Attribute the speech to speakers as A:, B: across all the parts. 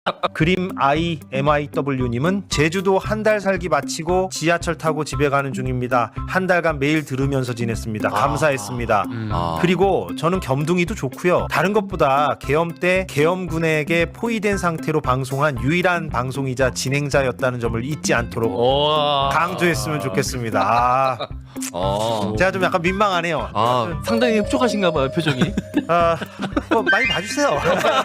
A: 그림 IMIW님은 제주도 한 달 살기 마치고 지하철 타고 집에 가는 중입니다. 한 달간 매일 들으면서 지냈습니다. 감사했습니다. 그리고 저는 겸둥이도 좋고요. 다른 것보다 계엄 때 계엄군에게 포위된 상태로 방송한 유일한 방송이자 진행자였다는 점을 잊지 않도록 강조했으면 좋겠습니다. 제가 좀 약간 민망하네요.
B: 상당히 흡족하신가 봐요, 표정이.
A: 많이 봐주세요.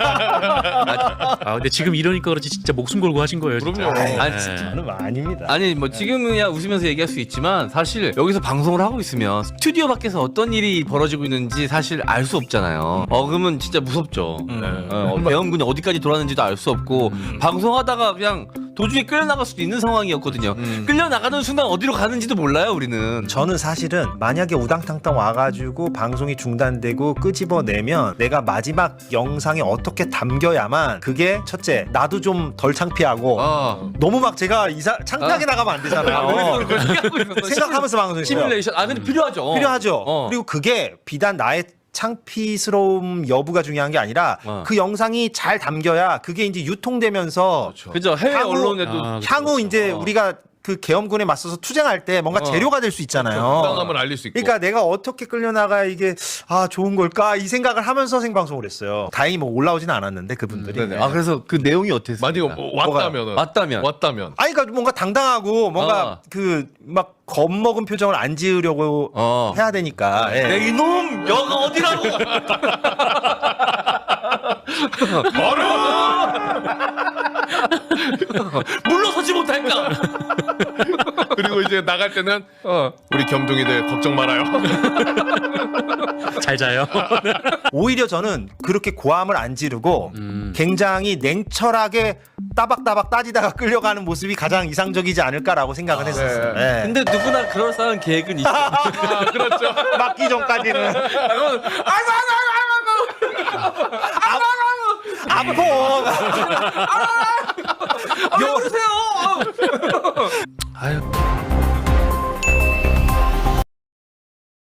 C: 근데 지금 이러니까 그렇지 진짜 목숨 걸고 하신 거예요.
D: 그럼요.
B: 아니,
A: 저는 아닙니다.
B: 아니 뭐 지금은야 웃으면서 얘기할 수 있지만 사실 여기서 방송을 하고 있으면 스튜디오 밖에서 어떤 일이 벌어지고 있는지 사실 알 수 없잖아요. 그러면 진짜 무섭죠. 대원군이 어디까지 돌아가는지도 알 수 없고 방송하다가 그냥 도중에 끌려나갈 수도 있는 상황이었거든요. 끌려나가는 순간 어디로 가는지도 몰라요, 우리는.
A: 저는 사실은 만약에 우당탕탕 와가지고 방송이 중단되고 끄집어내면 내가 마지막 영상에 어떻게 담겨야만 그게 첫째 나도 좀 덜 창피하고 너무 막 제가 창피하게 나가면 안 되잖아요. 생각하면서 방송했어요.
B: 시뮬레이션. 근데 필요하죠.
A: 필요하죠. 그리고 그게 비단 나의 창피스러움 여부가 중요한 게 아니라 그 영상이 잘 담겨야 그게 이제 유통되면서
B: 그죠. 해외 언론에도
A: 향후 이제 우리가 그 계엄군에 맞서서 투쟁할 때 뭔가 재료가 될 수 있잖아요.
D: 부당함을 알릴 수 있고.
A: 그러니까 내가 어떻게 끌려나가야 이게 좋은 걸까 이 생각을 하면서 생방송을 했어요. 다행히 뭐 올라오지는 않았는데 그분들이.
D: 네네.
B: 그래서 그 내용이 어땠어요?
D: 만약에 왔다면은.
B: 왔다면.
A: 아니 그러니까 뭔가 당당하고 뭔가 그 막 겁먹은 표정을 안 지으려고 해야 되니까.
B: 내 이놈 여가 어디라고? 물러서지 못할까?
D: 그리고 이제 나갈 때는 우리 겸둥이들 걱정 말아요.
C: 잘 자요.
A: 오히려 저는 그렇게 고함을 안 지르고 굉장히 냉철하게 따박따박 따지다가 끌려가는 모습이 가장 이상적이지 않을까라고 생각을 했었어요. 네.
B: 근데 누구나 그럴싸한 계획은 있죠.
D: 그렇죠.
A: 맞기 전까지는 아파.